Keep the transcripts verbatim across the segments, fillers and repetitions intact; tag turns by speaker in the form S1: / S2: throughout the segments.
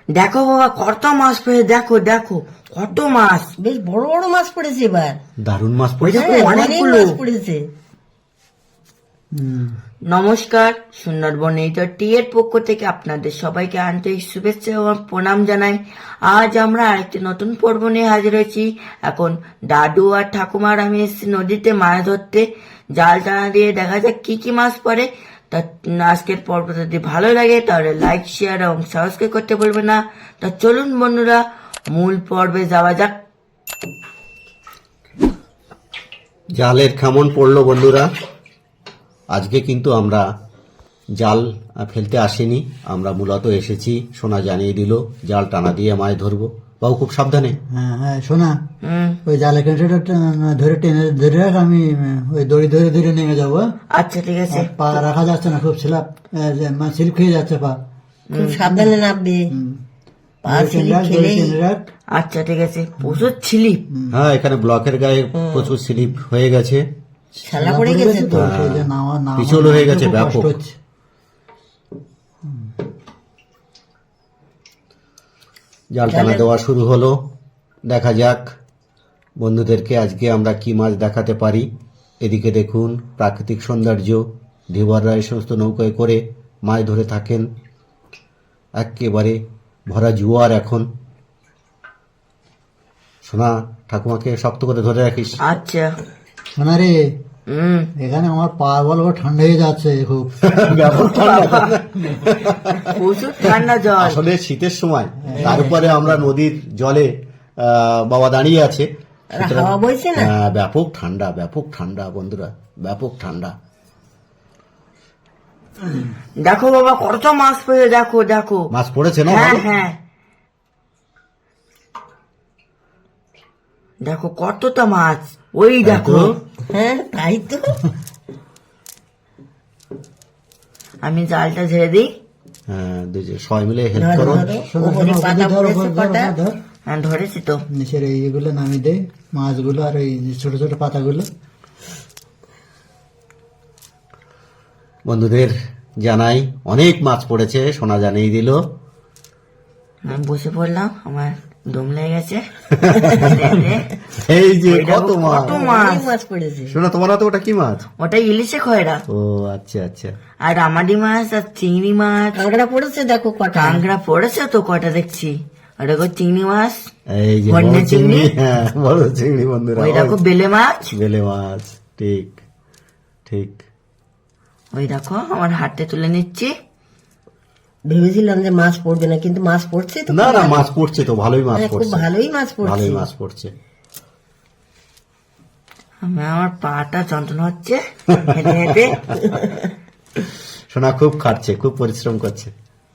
S1: দেখো বাবা কত মাছ পড়ে, দেখো দেখো কত মাছ,
S2: বেশ বড় বড় মাছ পড়েছে এবার।
S3: দারুণ মাছ পড়েছে।
S1: দেখো,
S2: হ্যাঁ, অনেক
S1: অনেকগুলো।
S2: মাছ পড়েছে।
S3: হুম।
S1: নমস্কার, সুন্দরবন এইটার টি এর পক্ষ থেকে আপনাদের সবাইকে আন্তরিক শুভেচ্ছা ও প্রণাম জানাই। আজ আমরা আরেকটি নতুন পর্ব নিয়ে হাজির হয়েছি। এখন দাদু আর ঠাকুমার আমি এসেছি নদীতে মাছ ধরতে। জাল টানা দিয়ে দেখা যাক কি কি মাছ পড়ে। তা আজকের পর্ব যদি ভালো লাগে তাহলে লাইক, শেয়ার এবং সাবস্ক্রাইব করতে বলবেন না। তা চলুন বন্ধুরা, মূল পর্বে যাওয়া যাক।
S3: জালের কেমন পড়লো বন্ধুরা? আজকে কিন্তু আমরা জাল ফেলতে আসিনি, আমরা মূলত এসেছি, সোনা জানিয়ে দিল জাল টানা দিয়ে মাছ ধরবো। বাবু খুব সাবধানে।
S4: হ্যাঁ হ্যাঁ শোনা,
S1: হুম,
S4: ওই জালে কেঁটেটা ধরে টেনে ধরে রাখ, আমি ওই দড়ি ধরে ধরে নেমে যাবো। হ্যাঁ?
S1: আচ্ছা ঠিক আছে।
S4: পা রাখা যাচ্ছে না, খুব স্লিপ স্লিপ খেয়ে যাচ্ছে পা।
S2: খুব সাবধানে নামবে।
S4: হুম।
S2: পা
S4: দড়ি টেনে
S2: স্লিপ
S4: রাখ, দড়ি
S2: খেলেই
S4: টেনে রাখ।
S1: আচ্ছা ঠিক আছে। প্রচুর ছিলিপ।
S3: হ্যাঁ, এখানে ব্লকের গায়ে প্রচুর স্লিপ হয়ে গেছে,
S2: ছালা পড়ে গেছে তো।
S4: সেই যে নামা- নামা-
S3: পিছল হয়ে গেছে
S4: খুব
S3: ব্যাপক।
S4: কষ্ট হচ্ছে।
S3: জাল টানা দেওয়া শুরু হলো। দেখা যাক বন্ধুদেরকে আজকে আমরা কি মাছ দেখাতে পারি। এদিকে দেখুন প্রাকৃতিক সৌন্দর্য, ধীবররা এই সমস্ত নৌকায় করে মাছ ধরে থাকেন। একেবারে ভরা জোয়ার এখন। সোনা, ঠাকুমাকে শক্ত করে ধরে রাখিস।
S1: আচ্ছা।
S4: শোনা রে,
S1: হুম,
S4: এখানে আমার পা বল ঠান্ডা হয়ে যাচ্ছে খুব।
S3: ব্যাপক ঠান্ডা।
S1: প্রচুর ঠান্ডা জল।
S3: আসলে শীতের সময়, তার উপরে আমরা নদীর জলে আহ, বাবা দাঁড়িয়ে আছে,
S2: আর হাওয়া বইছে না।
S3: হ্যাঁ, ব্যাপক ঠান্ডা, ব্যাপক ঠান্ডা বন্ধুরা, ব্যাপক ঠান্ডা।
S1: দেখো বাবা কত মাছ পড়ে, দেখো দেখো।
S3: মাছ পড়েছে না?
S1: হ্যাঁ
S3: ভালো?
S1: হ্যাঁ, দেখো কতটা মাছ, ওই দেখো।
S2: হ্যাঁ তাই তো।
S1: আমি জালটা ঝেড়ে দিই।
S3: হ্যাঁ, দুজন সবাই মিলে হেল্প
S2: ধরো
S3: করো।
S2: ধরো,
S4: শোনো,
S2: ওপরে
S4: শোনো,
S2: পাতা
S4: ধর,
S2: পড়েছে
S4: ধর, ধর,
S2: কটা।
S4: ধর।
S1: হ্যাঁ ধরেছি তো।
S4: নিচের এইগুলো নামিয়ে দে, মাছগুলো আর ওই যে ছোট ছোট পাতাগুলো।
S3: বন্ধুদের জানাই অনেক মাছ পড়েছে, সোনা জানিয়ে দিল।
S1: আমি বসে পড়লাম, আমার দম লেগে গেছে।
S3: এই যে
S1: ওই দেখো
S3: কত মাছ।
S1: কত মাছ।
S2: অনেক মাছ পড়েছে।
S3: সোনা, তোমার হাতে ওটা কি মাছ?
S1: ওটা ইলিশে খয়রা,
S3: ও আচ্ছা আচ্ছা।
S1: আর আমাডি মাছ আর চিংড়ি মাছ।
S2: কাঁকড়া পড়েছে দেখো কটা।
S1: কাঁকড়া পড়েছে তো কটা দেখছি। আর দেখো চিংড়ি মাছ,
S3: এই যে
S1: বন্যা
S3: বড় চিংড়ি,
S1: চিংড়ি।
S3: হ্যাঁ বড় চিংড়ি বন্ধুরা।
S1: ওই দেখো বেলে মাছ।
S3: বেলে মাছ, ঠিক ঠিক।
S1: ওই দেখো আমার হাতে তুলে নিচ্ছি।
S2: ভেবেছিলাম যে মাছ পড়বে না, কিন্তু মাছ পড়ছে তো।
S3: না না, মাছ পড়ছে তো, ভালোই মাছ
S2: হ্যাঁ, খুব
S3: পড়ছে,
S2: ভালোই মাছ পড়ছে।
S3: ভালোই মাছ পড়ছে।
S1: আমি আমার পাটা যন্ত্রণা হচ্ছে হেঁটে হেঁটে।
S3: সোনা খুব খাটছে, খুব পরিশ্রম করছে।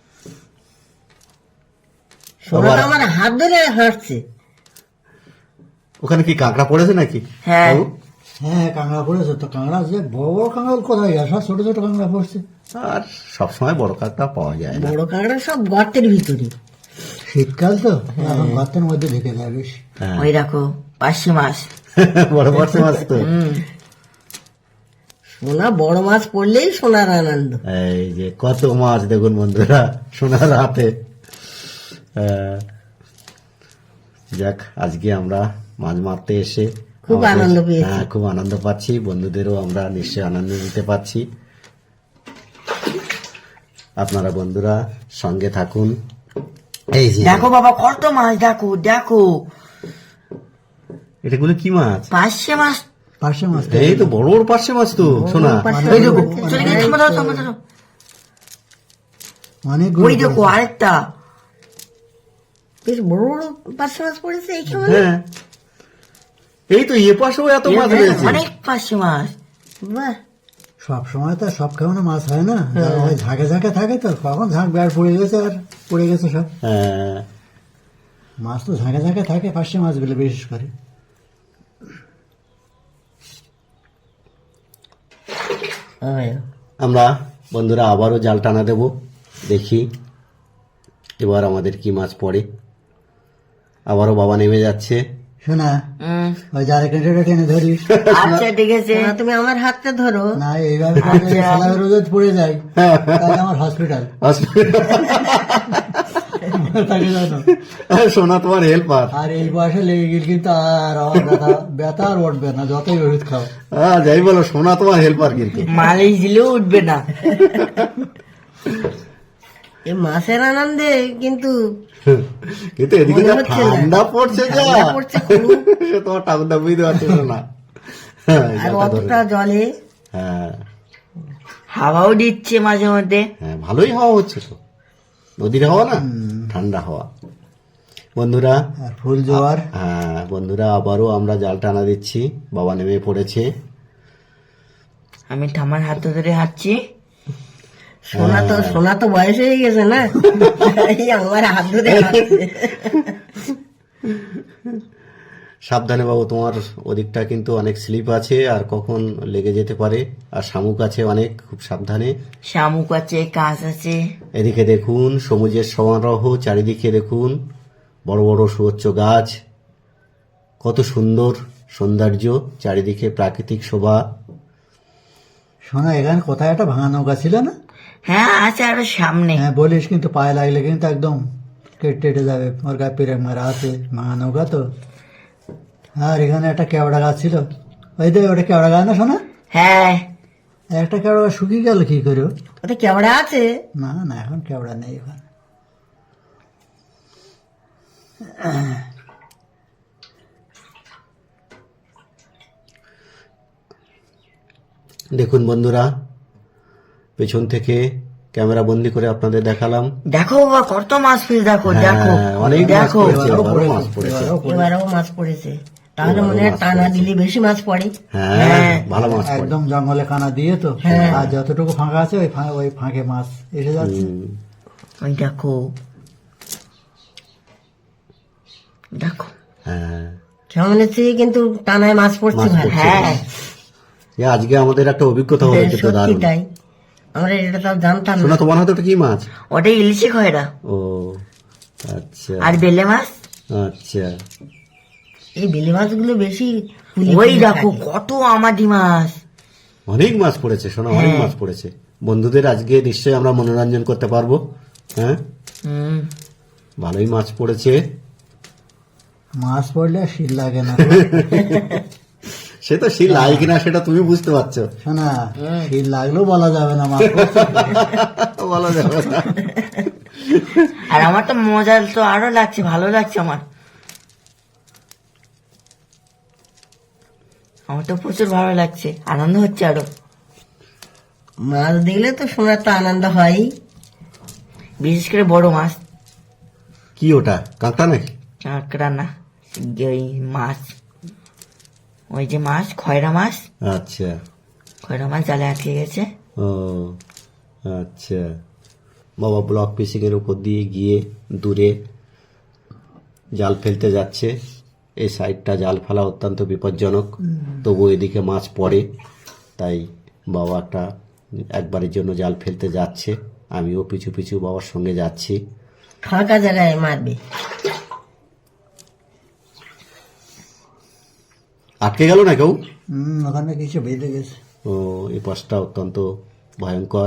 S2: সোনাটা
S3: আবার-
S2: আমার হাত ধরে হাঁটছে।
S3: ওখানে কি কাঁকড়া পড়েছে নাকি?
S1: হ্যাঁ।
S3: বাবু?
S4: হ্যাঁ কাঁকড়া পড়েছে তো। কাঁকড়া যে বড় বড় কাঁকড়া কোথায় গেছে? সব ছোট ছোট কাঁকড়া পড়ছে।
S3: আর সবসময় বড় কাঁকড়া পাওয়া যায় না।
S2: বড় কাঁকড়া সব গর্তের ভিতরে।
S4: শীতকাল তো, এখন গর্তের মধ্যে ঢুকে যায় বেশ।
S3: হ্যাঁ।
S1: ওই দেখো পার্শে মাছ।
S3: বড় বড় মাছ তো।
S1: হুম,
S2: সোনা বড় মাছ পড়লেই সোনার আনন্দ।
S3: এই যে কত মাছ দেখুন বন্ধুরা সোনার হাতে। আহ, যাক, আজকে আমরা মাছ মারতে এসে
S2: খুব
S3: আমাদের-
S2: আনন্দ পেয়েছি।
S3: হ্যাঁ, খুব আনন্দ পাচ্ছি। বন্ধুদেরও আমরা নিশ্চয়ই আনন্দ দিতে পারছি। আপনারা বন্ধুরা সঙ্গে থাকুন। এই যে
S1: দেখো বাবা কত মাছ, দেখো দেখো
S3: এটাগুলো কি মাছ?
S1: পার্শে মাছ।
S4: পার্শে মাছ তো।
S3: এই তো বড় বড় পার্শে মাছ তো, শোনা।
S2: পার্শে
S1: ওই দেখো
S2: মাছ।
S1: চলে গেছে, থামো, থামো, থামো, থামো।
S4: অনেকগুলো
S1: ওই দেখো আরেকটা।
S2: বেশ বড় বড় পার্শে মাছ পড়েছে এইখানে।
S3: হ্যাঁ, এই তো এ পাশেও এত মাছ রয়েছে।
S1: অনেক পার্শে মাছ।
S2: বাহ,
S4: সব সময় তো সব কেমন মাছ হয় না, যারা ওই ঝাঁকে ঝাঁকে থাকে তো, কখন ঝাঁক বেড় পড়ে গেছে আর পড়ে গেছে সব।
S3: হ্যাঁ,
S4: মাছ তো ঝাঁকে ঝাঁকে থাকে, পার্শে মাছগুলো বিশেষ করে।
S2: হ্যাঁ।
S3: আমরা বন্ধুরা আবারও জাল টানা দেব, দেখি এবার আমাদের কি মাছ পড়ে। আবারও বাবা নেমে যাচ্ছে।
S4: শোনা,
S1: হুম,
S4: ওই জালে কেঁটেটা টেনে ধরিস।
S1: আচ্ছা ঠিক আছে।
S2: সোনা, তুমি আমার হাতটা ধরো।
S4: না এইভাবে করলে সালা রোজ পড়ে যায়, তাহলে আমার হসপিটাল।
S3: হসপিটাল
S4: তাকে জানো
S3: সোনা তোমার হেল্পার।
S4: আর এই বয়সে লেগে গেল কিন্তু আর আমার ব্যথা ব্যথা আর উঠবে না যতই ওষুধ খাও।
S3: হ্যাঁ যাই বলো, সোনা তোমার হেল্পার কিন্তু।
S1: মালিশ দিলেও উঠবে না।
S2: এই মাছের আনন্দে কিন্তু
S3: কিন্তু এদিকে
S2: মনে
S3: যা
S2: হচ্ছে না।
S3: ঠান্ডা পড়ছে যা,
S2: ঠান্ডা পড়ছে খুব।
S3: সে তোমার ঠাকুরদা বুঝতে পারছে না। হ্যাঁ,
S2: আর
S3: জালটা ধরে।
S2: অতটা জলে
S3: হ্যাঁ
S1: হাওয়াও দিচ্ছে মাঝে মধ্যে।
S3: হ্যাঁ ভালোই হাওয়া হচ্ছে তো, নদীর হাওয়া না, ঠান্ডা হাওয়া। বন্ধুরা
S4: আর ফুল জোয়ার
S3: হ্যাঁ বন্ধুরা আবারও আমরা জাল টানা দিচ্ছি, বাবা নেমে পড়েছে।
S1: আমি ঠামার হাত ধরে হাঁটছি।
S2: সোনা তো সোনা তো বয়স হয়ে গেছে না, এই আমার হাত ধরে হাঁটছে।
S3: সাবধানে বাবু, তোমার ওদিকটা কিন্তু অনেক স্লিপ আছে আর কখন লেগে যেতে পারে, আর শামুক আছে অনেক, খুব সাবধানে।
S1: শামুক আছে, কাঁচ আছে।
S3: এদিকে দেখুন সবুজের সমারোহ, চারিদিকে দেখুন বড় বড় সুউচ্চ গাছ, কত সুন্দর সৌন্দর্য, চারিদিকে প্রাকৃতিক শোভা।
S4: শোনা এখানে কোথায় একটা ভাঙা নৌকা ছিল না?
S1: হ্যাঁ আছে আরো সামনে।
S4: হ্যাঁ বলিস, কিন্তু পায়ে লাগলে কিন্তু একদম কেটে টেটে যাবে, ওর গায়ে পেরে মারা আছে, ভাঙা নৌকা তো। আর এখানে একটা কেওড়া গাছ ছিল, ওই দেখ ওটা কেওড়া গাছ না শোনা?
S1: হ্যাঁ
S4: একটা কেওড়া গাছ শুকিয়ে গেল কি করে?
S2: ওটা কেমন আছে?
S4: না না এখন কেওড়া নেই ওখানে।
S3: দেখুন বন্ধুরা, পেছন থেকে ক্যামেরা বন্দি করে আপনাদের দেখালাম।
S1: দেখো বাবা কত মাছ ফিস, দেখো দেখো
S3: হ্যাঁ, অনেক মাছ
S1: দেখো।
S3: পড়েছে, এবারও মাছ পড়েছে।
S2: এবারেও মাছ পড়েছে, তাহলে মনে হয় টানা দিলে বেশি মাছ পড়ে।
S3: হ্যাঁ ভালো মাছ পড়ে।
S4: একদম জঙ্গলে কানা দিয়ে তো, আর যতটুকু ফাঁকা আছে ওই ফা- ওই ফাঁকে মাছ এসে যাচ্ছে।
S3: হুম,
S1: ওই দেখো দেখো।
S3: হ্যাঁ
S2: সামনে থেকে কিন্তু টানায় মাছ পড়ছে
S3: মাছ
S2: ভাই।
S3: পড়ছে।
S1: হ্যাঁ
S3: এ আজকে আমাদের একটা অভিজ্ঞতা হলো কিন্তু
S2: সত্যি
S3: দারুণ।
S2: তাই, আমরা এটা তো জানতাম না।
S3: শোনা তোমার হাতে ওটা কি মাছ?
S1: ওটাই ইলিশে খয়রা
S3: ও আচ্ছা
S1: আর বেলে মাছ।
S3: আচ্ছা।
S2: এই বেলে মাছগুলো বেশি ফুলে
S1: ওই
S2: ফুলে
S1: দেখো
S2: থাকে।
S1: কত আমাদি মাছ।
S3: অনেক মাছ পড়েছে শোনা, অনেক মাছ পড়েছে। বন্ধুদের আজকে নিশ্চয়ই আমরা মনোরঞ্জন করতে পারবো। হ্যাঁ
S1: হুম
S3: ভালোই মাছ পড়েছে।
S4: মাছ পড়লে আর শীত লাগে না।
S3: সে তো সেই লাই কিনা সেটা তুমি বুঝতে পারছো,
S4: শোনা শীত লাগলেও বলা যাবে না মাছ পড়ছে।
S3: বলা যাবে না।
S1: আর আমার তো মজা তো আরো লাগছে, ভালো লাগছে আমার। আমার তো প্রচুর ভালো লাগছে, আনন্দ হচ্ছে আরো।
S2: মাছ দেখলে তো শোনার তো আনন্দ হয়।
S1: বিশেষ করে বড় মাছ,
S3: কি ওটা কাঁকড়া নাকি?
S1: কাঁকড়া না, ওই মাছ, ওই যে মাছ খয়রা মাছ।
S3: আচ্ছা
S1: খয়রা মাছ জালে আটকে গেছে।
S3: ও আচ্ছা। বাবা ব্লক ফিশিং এর উপর দিয়ে গিয়ে দূরে জাল ফেলতে যাচ্ছে। এই সাইডটা জাল ফেলা অত্যন্ত বিপজ্জনক, তবু এদিকে মাছ পড়ে, তাই বাবা একটা একবারের জন্য জাল ফেলতে যাচ্ছে। আমিও পিছু পিছু বাবার সঙ্গে যাচ্ছি।
S2: ফাঁকা জায়গায় মারবে।
S3: আটকে গেল না কেউ?
S4: হম ওখানে কিছু বেঁধে গেছে।
S3: ও এই পাশটা অত্যন্ত ভয়ঙ্কর।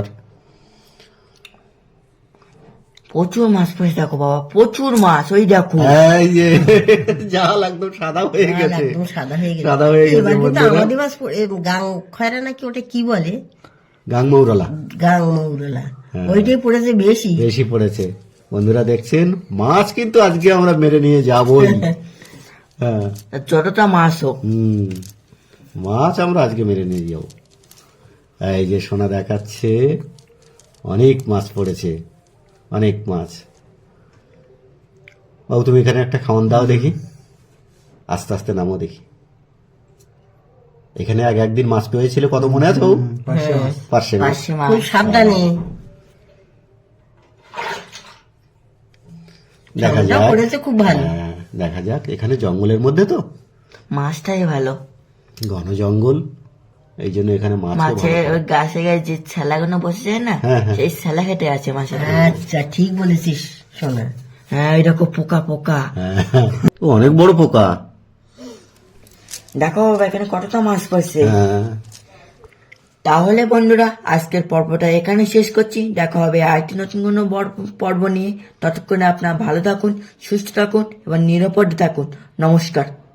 S1: প্রচুর মাছ পড়েছে দেখো বাবা, প্রচুর মাছ। ওই দেখো
S3: এই যে জাল একদম সাদা হয়ে
S2: লাল
S3: গেছে,
S2: একদম সাদা হয়ে গেছে।
S3: সাদা হয়ে গেছে
S2: এবার কিন্তু
S3: বন্ধুরা।
S2: আমাদের মাছ পড়ে- এ, গাং খয়রা নাকি ওটা কি বলে,
S3: গাংমৌরলা
S2: গাং মৌরলা,
S3: হ্যাঁ।
S2: ওইটাই পড়েছে বেশি।
S3: বেশি পড়েছে। বন্ধুরা দেখছেন মাছ কিন্তু আজকে আমরা মেরে নিয়ে যাবই। হ্যাঁ
S1: যতটা মাছ হোক।
S3: হুম মাছ আমরা আজকে মেরে নিয়ে যাব। এই যে সোনা দেখাচ্ছে অনেক মাছ পড়েছে, অনেক মাছ। বাবু তুমি এখানে একটা খাওয়ান দাও দেখি, আস্তে আস্তে নামো দেখি। এখানে আগে একদিন মাছ পেয়েছিল, কত মনে আছে বাবু?
S4: পাশে মাছ।
S3: পার্শে মাছ।
S1: পার্শে মাছ।
S2: খুব সাবধানে।
S3: দেখা
S2: ওটা
S3: যাক,
S2: পড়েছে খুব ভালো।
S3: হ্যাঁ, দেখা যাক। এখানে জঙ্গলের মধ্যে তো,
S1: মাছটাই ভালো।
S3: ঘন জঙ্গল, এই জন্য এখানে মাছ
S1: মাছের ওই গাছে গায়ে যে ছেলাগুলো বসে যায় না,
S3: হ্যাঁ, হ্যাঁ।
S1: সেই ছেলা খেটে আছে মাছের।
S2: আচ্ছা ঠিক বলেছিস শোনা।
S1: হ্যাঁ ওই দেখো পোকা পোকা।
S3: অনেক বড় পোকা।
S1: দেখো বাবা এখানে কতটা মাছ পড়ছে।
S3: হ্যাঁ
S1: তাহলে বন্ধুরা আজকের পর্বটা এখানে শেষ করছি। দেখা হবে আরেকটি নতুন কোনো বর- পর্ব নিয়ে। ততক্ষণে আপনারা ভালো থাকুন, সুস্থ থাকুন এবং নিরাপদে থাকুন। নমস্কার।